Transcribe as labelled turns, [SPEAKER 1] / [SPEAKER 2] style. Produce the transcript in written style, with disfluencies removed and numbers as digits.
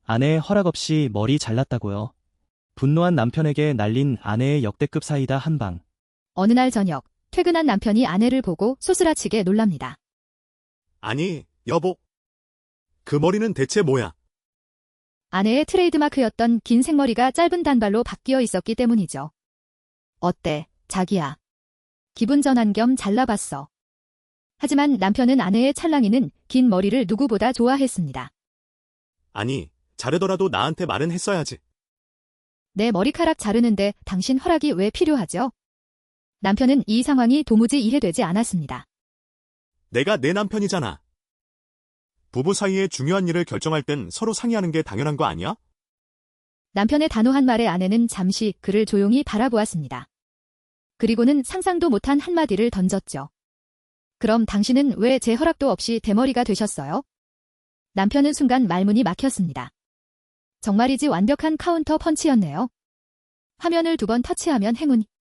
[SPEAKER 1] 아내의 허락 없이 머리 잘랐다고요. 분노한 남편에게 날린 아내의 역대급 사이다 한 방.
[SPEAKER 2] 어느 날 저녁, 퇴근한 남편이 아내를 보고 소스라치게 놀랍니다.
[SPEAKER 3] 아니, 여보. 그 머리는 대체 뭐야?
[SPEAKER 2] 아내의 트레이드마크였던 긴 생머리가 짧은 단발로 바뀌어 있었기 때문이죠. 어때, 자기야? 기분 전환 겸 잘라봤어. 하지만 남편은 아내의 찰랑이는 긴 머리를 누구보다 좋아했습니다.
[SPEAKER 3] 아니, 자르더라도 나한테 말은 했어야지.
[SPEAKER 2] 내 머리카락 자르는데 당신 허락이 왜 필요하죠? 남편은 이 상황이 도무지 이해되지 않았습니다.
[SPEAKER 3] 내가 내 남편이잖아. 부부 사이에 중요한 일을 결정할 땐 서로 상의하는 게 당연한 거 아니야?
[SPEAKER 2] 남편의 단호한 말에 아내는 잠시 그를 조용히 바라보았습니다. 그리고는 상상도 못한 한마디를 던졌죠. 그럼 당신은 왜 제 허락도 없이 대머리가 되셨어요? 남편은 순간 말문이 막혔습니다. 정말이지 완벽한 카운터 펀치였네요. 화면을 2번 터치하면 행운.